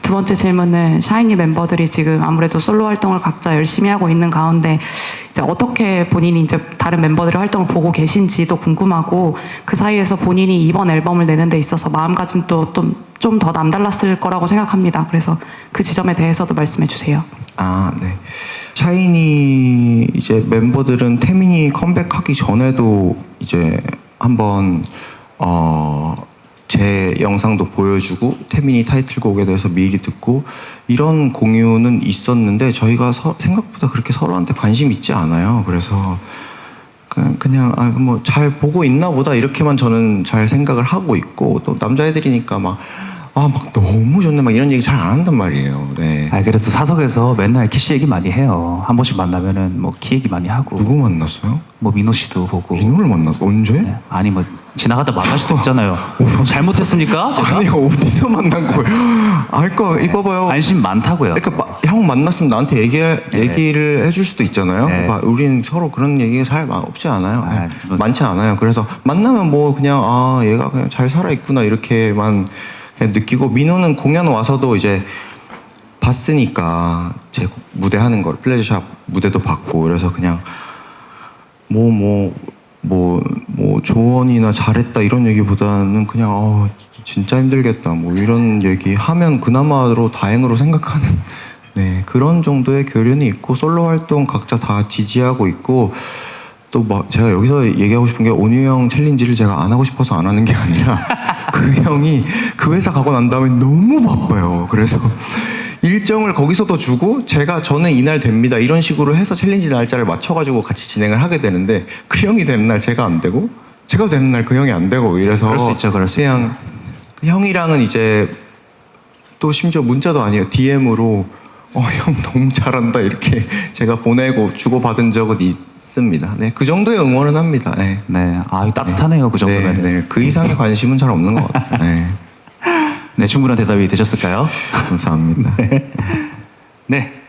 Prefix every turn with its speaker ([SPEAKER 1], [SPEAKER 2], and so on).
[SPEAKER 1] 두 번째 질문은 샤이니 멤버들이 지금 아무래도 솔로 활동을 각자 열심히 하고 있는 가운데 이제 어떻게 본인이 이제 다른 멤버들의 활동을 보고 계신지도 궁금하고 그 사이에서 본인이 이번 앨범을 내는 데 있어서 마음가짐도 좀 더 남달랐을 거라고 생각합니다. 그래서 그 지점에 대해서도 말씀해 주세요.
[SPEAKER 2] 아, 네. 샤이니 이제 멤버들은 태민이 컴백하기 전에도 이제 한번 제 영상도 보여주고 태민이 타이틀곡에 대해서 미리 듣고 이런 공유는 있었는데 저희가 생각보다 그렇게 서로한테 관심 있지 않아요. 그래서 그냥 뭐 잘 보고 있나 보다 이렇게만 저는 잘 생각을 하고 있고 또 남자애들이니까 막 너무 좋네 막 이런 얘기 잘 안 한단 말이에요. 네.
[SPEAKER 3] 그래도 사석에서 맨날 키씨 얘기 많이 해요. 한 번씩 만나면은 뭐 키 얘기 많이 하고.
[SPEAKER 2] 누구 만났어요?
[SPEAKER 3] 뭐 민호 씨도 보고.
[SPEAKER 2] 민호를 만났어? 언제?
[SPEAKER 3] 네. 아니 뭐 지나가다 만날 수도 있잖아요. 잘못했습니까? 제가?
[SPEAKER 2] 아니 어디서 만난 거예요? 그러니까 이봐봐요.
[SPEAKER 3] 관심 많다고요.
[SPEAKER 2] 그러니까 형 만났으면 나한테 얘기를 해줄 수도 있잖아요.
[SPEAKER 3] 네.
[SPEAKER 2] 우린 서로 그런 얘기가 잘 없지 않아요.
[SPEAKER 3] 뭐...
[SPEAKER 2] 많지 않아요. 그래서 만나면 뭐 그냥 얘가 그냥 잘 살아 있구나 이렇게만 그냥 느끼고 민호는 공연 와서도 이제 봤으니까 제 무대 하는 걸 플레저샵 무대도 봤고 그래서 그냥 뭐 조언이나 잘했다 이런 얘기보다는 그냥 진짜 힘들겠다 뭐 이런 얘기 하면 그나마로 다행으로 생각하는 네 그런 정도의 교류는 있고 솔로 활동 각자 다 지지하고 있고 또 막 제가 여기서 얘기하고 싶은 게 온유 형 챌린지를 제가 안 하고 싶어서 안 하는 게 아니라 그 형이 그 회사 가고 난 다음에 너무 바빠요. 그래서 일정을 거기서도 주고 저는 이날 됩니다 이런 식으로 해서 챌린지 날짜를 맞춰가지고 같이 진행을 하게 되는데 그 형이 되는 날 제가 안 되고 제가 되는 날 그 형이 안 되고 이래서
[SPEAKER 3] 그럴 수 있죠.
[SPEAKER 2] 그냥 그 형이랑은 이제 또 심지어 문자도 아니에요. DM으로 형 너무 잘한다 이렇게 제가 보내고 주고받은 적은 있습니다. 네, 그 정도의 응원은 합니다. 네,
[SPEAKER 3] 네. 따뜻하네요. 그 정도면.
[SPEAKER 2] 네, 그 이상의 관심은 잘 없는 것 같아요. 네.
[SPEAKER 3] 네, 충분한 대답이 되셨을까요?
[SPEAKER 2] 감사합니다.
[SPEAKER 3] 네.